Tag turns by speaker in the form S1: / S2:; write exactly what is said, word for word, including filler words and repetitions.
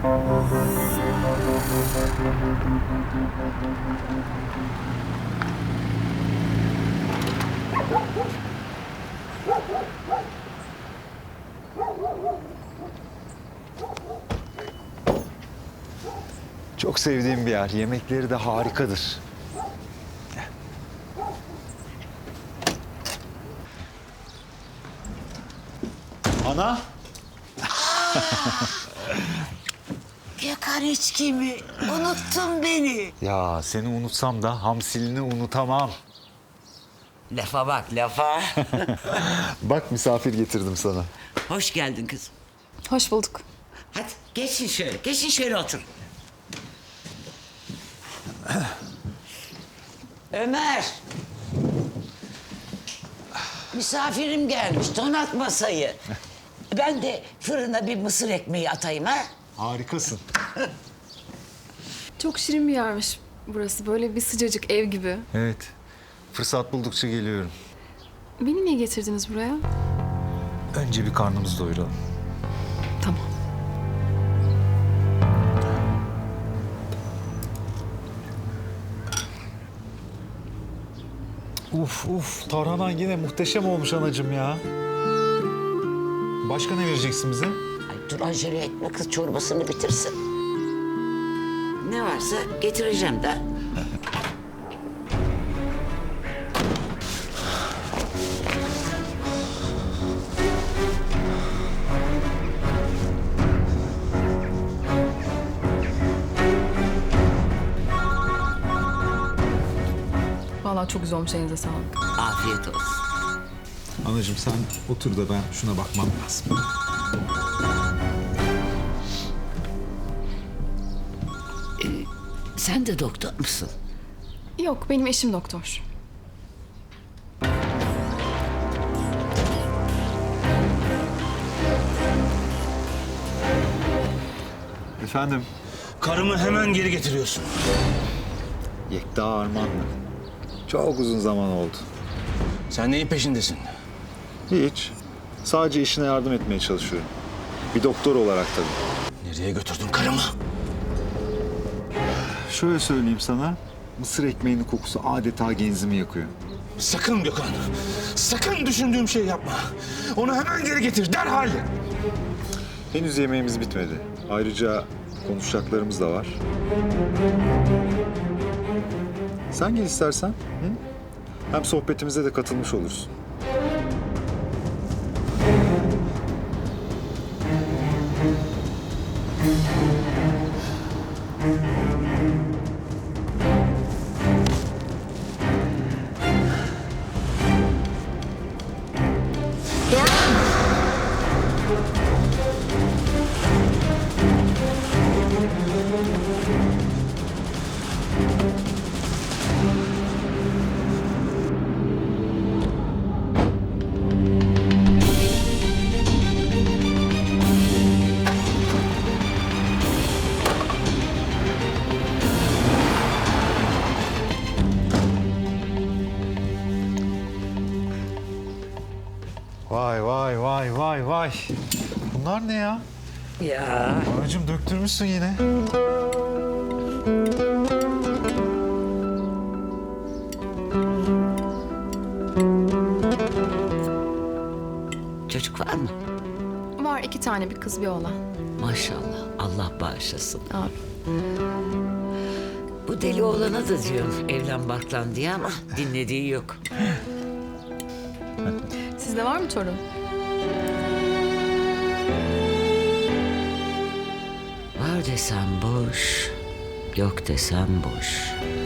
S1: Çok sevdiğim bir yer. Yemekleri de harikadır. Ana.
S2: Gökhan içki mi? Unuttun beni.
S1: Ya seni unutsam da hamsilini unutamam.
S2: Lafa bak lafa.
S1: Bak misafir getirdim sana.
S2: Hoş geldin kızım.
S3: Hoş bulduk.
S2: Hadi geçin şöyle, geçin şöyle otur. Ömer. Misafirim gelmiş, donat masayı. Ben de fırına bir mısır ekmeği atayım ha.
S1: Harikasın.
S3: Çok şirin bir yermiş burası. Böyle bir sıcacık ev gibi.
S1: Evet. Fırsat buldukça geliyorum.
S3: Beni niye getirdiniz buraya?
S1: Önce bir karnımızı doyuralım.
S3: Tamam.
S1: Uf uf. Tarhanan yine muhteşem olmuş anacığım ya. Başka ne vereceksin bize?
S2: Ay dur acele etme kız çorbasını bitirsin. Ne varsa getireceğim de.
S3: Vallahi çok güzel olmuş. Elinize sağlık.
S2: Afiyet olsun.
S1: Anacığım sen otur da ben şuna bakmam lazım.
S2: Sen de doktor musun?
S3: Yok, benim eşim doktor.
S1: Efendim?
S4: Karımı hemen geri getiriyorsun.
S1: Yekta Armanlı. Çok uzun zaman oldu.
S4: Sen neyin peşindesin?
S1: Hiç. Sadece işine yardım etmeye çalışıyorum. Bir doktor olarak tabii.
S4: Nereye götürdün karımı?
S1: Şöyle söyleyeyim sana. Mısır ekmeğinin kokusu adeta genzimi yakıyor.
S4: Sakın Gökhan. Sakın düşündüğüm şey yapma. Onu hemen geri getir derhal.
S1: Henüz yemeğimiz bitmedi. Ayrıca konuşacaklarımız da var. Sen gel istersen. Hı? Hem sohbetimize de katılmış olursun. Vay vay vay vay vay. Bunlar ne ya?
S2: Ya.
S1: Anacığım döktürmüşsün yine.
S2: Çocuk var mı?
S3: Var iki tane, bir kız bir oğlan.
S2: Maşallah. Allah bağışlasın.
S3: Abi.
S2: Bu deli oğlana da diyorum evlen barklan diye ama dinlediği yok.
S3: Sizde var mı torun?
S2: Var desem boş, yok desem boş.